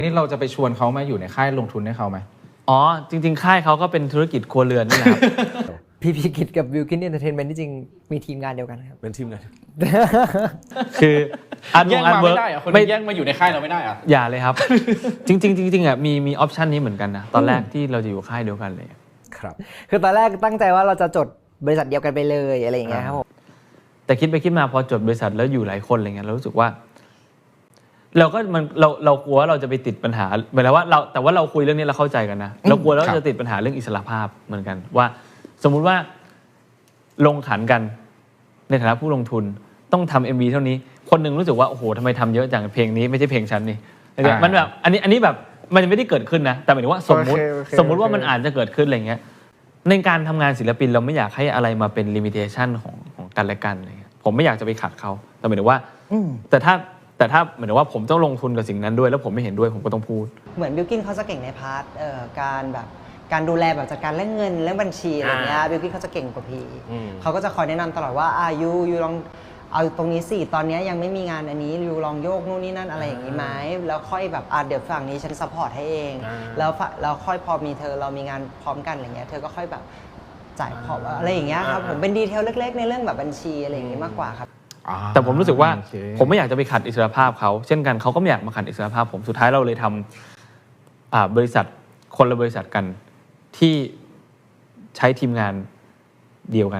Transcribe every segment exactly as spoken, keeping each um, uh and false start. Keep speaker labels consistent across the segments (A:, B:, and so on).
A: นี่เราจะไปชวนเขามาอยู่ในค่ายลงทุนให้เขาไหม
B: อ๋อจริงๆค่ายเขาก็เป็นธุรกิจครัวเรือนนี่แหละครับ
C: พีพีกิจกับวิลกินเอนเตอร์เทนเมนต์ที่จริงมีทีมงานเดียวกันครับ
D: เป็นทีมงาน
B: คืออัน
A: แย่ง
B: อัน
A: มา
B: เวิร์
A: ไม่
B: ก
A: ได้อะคน
B: ไม่
A: นี้แย่งมาอยู่ในค่ายเราไม่ได้อะ
B: อย่าเลยครับ จริงๆจริงๆอ่ะมีมีออปชันนี้เหมือนกันนะตอนแรกที่เราจะอยู่ค่ายเดียวกันเลย
D: ครับ
C: คือตอนแรกตั้งใจว่าเราจะจดบริษัทเดียวกันไปเลยอะไรอย่างเงี้ยครับผม
B: แต่คิดไปคิดมาพอจดบริษัทแล้วอยู่หลายคนอะไรเงี้ยเรารู้สึกว่า เราก็มันเราเรากลัวว่าเราจะไปติดปัญหาหมายถึงว่าเราแต่ว่าเราคุยเรื่องนี้เราเข้าใจกันนะเรากลัวแล้วจะติดปัญหาเรื่องอิสรภาพเหมือนกันว่า สมมุติว่าลงขันกันในฐานะผู้ลงทุนต้องทำ เอ็ม วี เท่านี้คนหนึ่งรู้สึกว่าโอ้โหทำไมทำเยอะจังเพลงนี้ไม่ใช่เพลงฉันนี่มันแบบอันนี้อันนี้แบบมันไม่ได้เกิดขึ้นนะแต่หมายถึงว่าสมมุติสมมุติว่ามันอาจจะเกิดขึ้นอะไรเงี้ยในการทำงานศิลปินเราไม่อยากให้อะไรมาเป็นลิมิเตชันของของกันและกันอะไรเงี้ยผมไม่อยากจะไปขัดเขาแต่หมายถึงว่าแต่ถ้าแต่ถ้าหมายถึงว่าผมต้องลงทุนกับสิ่งนั้นด้วยแล้วผมไม่เห็นด้วยผมก็ต้องพูด
E: เหมือนบิลกิ้นเขาจะเก่งในพาร์ทการแบบการดูแลแบบจัดการเรื่องเงินเรื่องบัญชีอะไรเงี้ยบิลกิ้นเขาจะเก่งกว่าพีเขาก็จะคอยแนะนำตลอดว่าอายูยูลองเอาตรงนี้สิตอนนี้ยังไม่มีงานอันนี้ยูลองโยกนู่นนี่นั่นอะไรอย่างนี้ไหมแล้วค่อยแบบอ่ะเดี๋ยวฝั่งนี้ฉันซัพพอร์ตให้เองแล้วแล้วค่อยพอมีเธอเรามีงานพร้อมกันอะไรเงี้ยเธอก็ค่อยแบบจ่ายพออะไรอย่างเงี้ยครับผมเป็นดีเทลเล็กๆในเรื่องแบบบัญชีอะไรอย่างงี้มากกว่าครับ
B: แต่ผมรู้สึกว่าผมไม่อยากจะไปขัดอิสรภาพเขาเช่นกันเขาก็ไม่อยากมาขัดอิสรภาพผมสุดท้ายเราเลยทำบริษัทคนละบริษัทกันที่ใช้ทีมงานเดียวกัน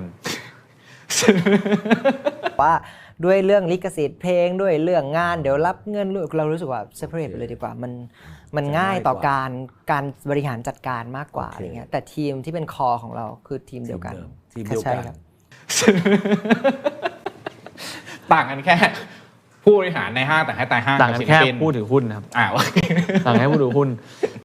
C: ว่าด้วยเรื่องลิขสิทธิ์เพลงด้วยเรื่องงานเดี๋ยวรับเงินเรารู้สึกว่า separate ไปเลยดีกว่ามันมันง่ายต่อการการบริหารจัดการมากกว่าอะไรเงี้ยแต่ทีมที่เป็นคอของเราคือทีมเดียวกัน
D: ทีมเดียวกัน
A: ต่างกันแค่ผู้บริหารในห้างแต่ให้ตายห้าง
B: ต่างกันแค่ผู้ถือหุ้นนะครับ
A: อ่าโอเค
B: ต่างกันแค่ผู้ถือหุ้น